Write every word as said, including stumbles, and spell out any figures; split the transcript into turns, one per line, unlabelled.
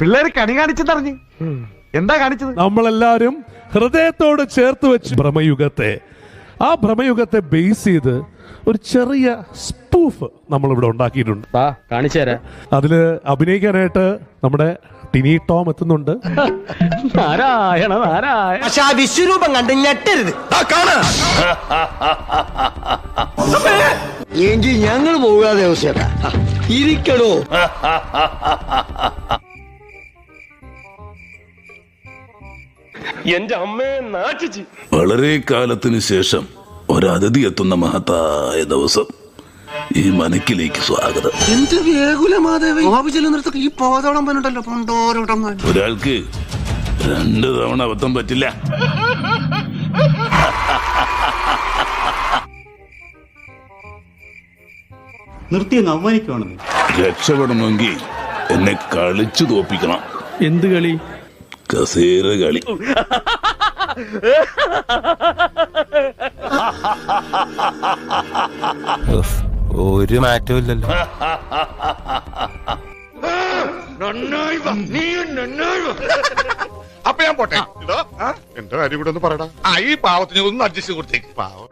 പിള്ളേര് കണി കാണിച്ചെന്നറിഞ്ഞ് എന്താ കാണിച്ചത്?
നമ്മളെല്ലാരും ഹൃദയത്തോട് ചേർത്ത് വെച്ച് ഭ്രമയുഗത്തെ ആ ഭ്രമയുഗത്തെ ബേസ് ചെയ്ത് ഒരു ചെറിയ സ്പൂഫ് നമ്മളിവിടെ ഉണ്ടാക്കിയിട്ടുണ്ട്.
കാണിച്ചു തരാം.
അതില് അഭിനയിക്കാനായിട്ട് നമ്മുടെ ടിനി ടോം എത്തുന്നുണ്ട്.
നാരായണ നാരായണ.
പക്ഷെ ആ വിശ്വരൂപം കണ്ട് ഞെട്ടരുത്. എങ്കിൽ ഞങ്ങൾ പോകാതെ ഇരിക്കണോ?
എന്റെ അമ്മയെ നാട്ടിച്ച്.
വളരെ കാലത്തിന് ശേഷം ഒരതിഥി എത്തുന്ന മഹത്തായ ദിവസം. ഈ മനക്കിലേക്ക് സ്വാഗതം.
എന്ത് വേഗുലമാദേവി ചെല്ലുന്നിടത്തൊക്കെ ഈ പോതോളം പറഞ്ഞിട്ടല്ലോ പണ്ടോരോട്ടം.
ഒരാൾക്ക് രണ്ടു തവണ അബദ്ധം പറ്റില്ല.
നിർത്തിയെന്ന് അവമാനിക്കുവാണെന്ന്.
രക്ഷപ്പെടണമെങ്കിൽ എന്നെ കളിച്ചു തോപ്പിക്കണം.
എന്ത് കളി?
കസേര കളി.
ഒരു മാറ്റവും ഇല്ലല്ലോ.
അപ്പൊ ഞാൻ പോട്ടെ. എന്തോ എന്റെ കാര്യം കൂടെ ഒന്ന് പറയടാ. ആ ഈ പാവത്തിന് ഒന്ന് അഡ്ജസ്റ്റ് കൊടുത്തേക്ക്. പാവം.